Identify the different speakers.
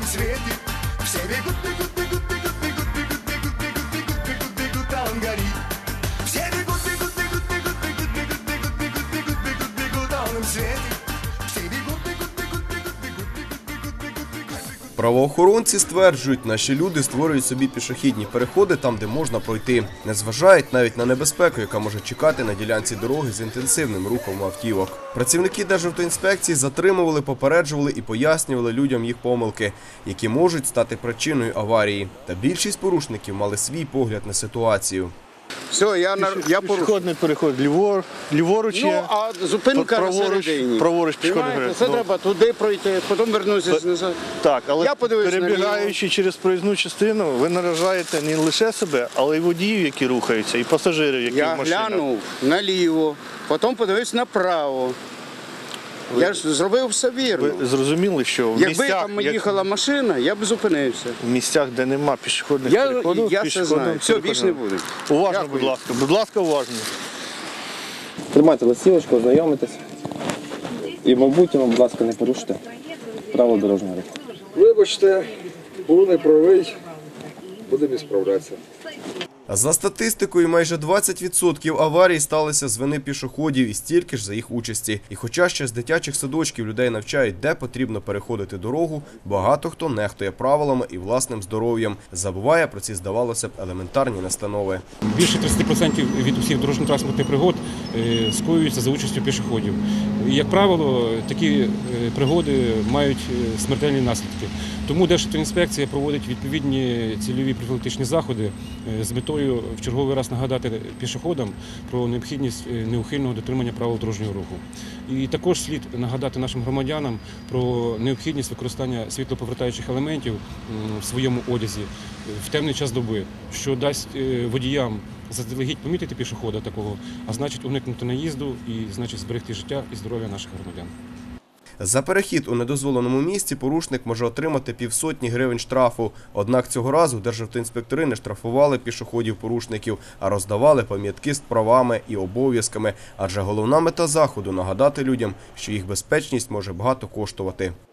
Speaker 1: свете. Все бегут, бегут, бегут, бегут, бегут, бегут, бегут, бегут, бегут, бегут, бегут, а он горит. Все бегут, бегут, бегут, бегут, бегут, бегут, бегут, бегут, бегут, бегут, бегут, а он им светит. Все бегут, бегут, бегут, бегут, бегут, бегут, бегут, бегут, бегут.
Speaker 2: Правоохоронці стверджують, наші люди створюють собі пішохідні переходи там, де можна пройти. Не зважають навіть на небезпеку, яка може чекати на ділянці дороги з інтенсивним рухом автівок. Працівники Державтоінспекції затримували, попереджували і пояснювали людям їх помилки, які можуть стати причиною аварії. Та більшість порушників мали свій погляд на ситуацію.
Speaker 3: Все, я порушив.
Speaker 4: Пішохідний переход ліворуч є.
Speaker 3: Ну, а зупинка на середині.
Speaker 4: Праворуч пішохідний переход.
Speaker 3: Це треба туди пройти, потім вернутися назад.
Speaker 4: Так, але
Speaker 3: Я подивився
Speaker 4: перебігаючи через проїзну частину, ви наражаєте не лише себе, але й водіїв, які рухаються, і пасажирів, які в машинах.
Speaker 3: Я глянув наліво, потім подивився направо. Я ж зробив все вірно.
Speaker 4: Ви зрозуміли, що в
Speaker 3: Якби там їхала машина, я б зупинився.
Speaker 4: в місцях, де нема пішохідних переходів,
Speaker 3: Я це знаю. Все, більше не буде.
Speaker 4: Уважно,
Speaker 3: Дякую.
Speaker 4: будь ласка. Будь ласка, уважно.
Speaker 5: Тримайте листівочку, ознайомитесь. І в майбутньому, будь ласка, не порушуйте правила дорожнього руху.
Speaker 6: Вибачте, був неправий, будемо справлятися.
Speaker 2: За статистикою, майже 20% аварій сталися з вини пішоходів і стільки ж за їх участі. І хоча ще з дитячих садочків людей навчають, де потрібно переходити дорогу, багато хто нехтує правилами і власним здоров'ям. Забуває про ці, здавалося б, елементарні настанови.
Speaker 7: Більше 30% від усіх дорожньо-транспортних пригод скоюються за участю пішоходів. І, як правило, такі пригоди мають смертельні наслідки. Тому Державтоінспекція проводить відповідні цільові профілактичні заходи з метою в черговий раз нагадати пішоходам про необхідність неухильного дотримання правил дорожнього руху. І також слід нагадати нашим громадянам про необхідність використання світлоповертаючих елементів в своєму одязі в темний час доби, що дасть водіям заздалегідь помітити пішохода такого, а значить уникнути наїзду і значить зберегти життя і здоров'я наших громадян.
Speaker 2: За перехід у недозволеному місці порушник може отримати 50 гривень штрафу. Однак цього разу державтоінспектори не штрафували пішоходів-порушників, а роздавали пам'ятки з правами і обов'язками. Адже головна мета заходу – нагадати людям, що їх безпечність може багато коштувати.